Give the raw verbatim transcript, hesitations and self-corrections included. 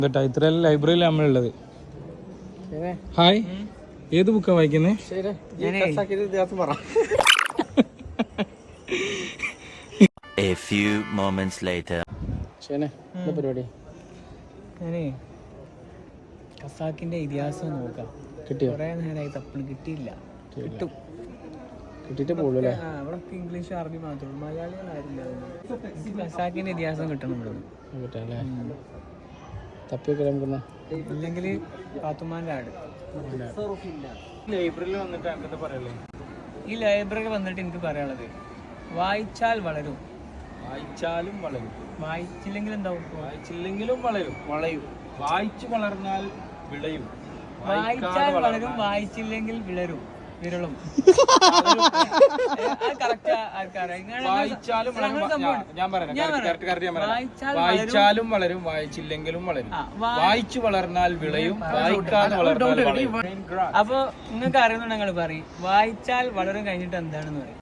കേട്ടോ ഇത്ര ലൈബ്രറിയിൽ നമ്മളുള്ളത്. ഹായ്, ഏത് ബുക്കാ വായിക്കുന്നേ? A few moments later. പരിപാടി ഞാനേ ഖസാക്കിന്റെ ഇതിഹാസം നോക്കാം. കിട്ടിയോ? കുറെ നേരമായി തപ്പിള് കിട്ടിയില്ല. കിട്ടും, കിട്ടിട്ട് പോളൂ അല്ലേ? അവിടെ ഇംഗ്ലീഷ് അറബി മാത്രമേ ഉള്ളൂ, മലയാളികളാരില്ല. ഖസാക്കിന്റെ ഇതിഹാസം കിട്ടണം ഇവിടെ. കിട്ടാല്ലേ? തപ്പിയൊക്കെ നമുക്കെന്നാ ഇല്ലെങ്കിൽ പാത്തുമാന്റെ ആട്. ലൈബ്രറിയിൽ വന്നിട്ട് അങ്ങനത്തെ പറയല്ലേ? ഈ ലൈബ്രറി വന്നിട്ട് എനിക്ക് പറയാനുള്ളത്, വായിച്ചാൽ വളരും, വായിച്ചാലും വളരും, വായിച്ചില്ലെങ്കിൽ എന്താവും? വായിച്ചില്ലെങ്കിലും വളരും. വളയും വായിച്ചു വളർന്നാൽ വിളയും. വായിച്ചാൽ വളരും, വായിച്ചില്ലെങ്കിൽ വിളരും, വിരളും. വായിച്ചാലും വായിച്ചാലും വളരും, വായിച്ചില്ലെങ്കിലും വളരും. വായിച്ചു വളർന്നാൽ വിളയും, വായിക്കാതെ വളർന്നാൽ വളയും. അപ്പൊ നിങ്ങൾക്ക് അറിയുന്നുണ്ട്, നിങ്ങൾ പറയും വായിച്ചാൽ വളരും കഴിഞ്ഞിട്ട് എന്താണെന്ന് പറയും.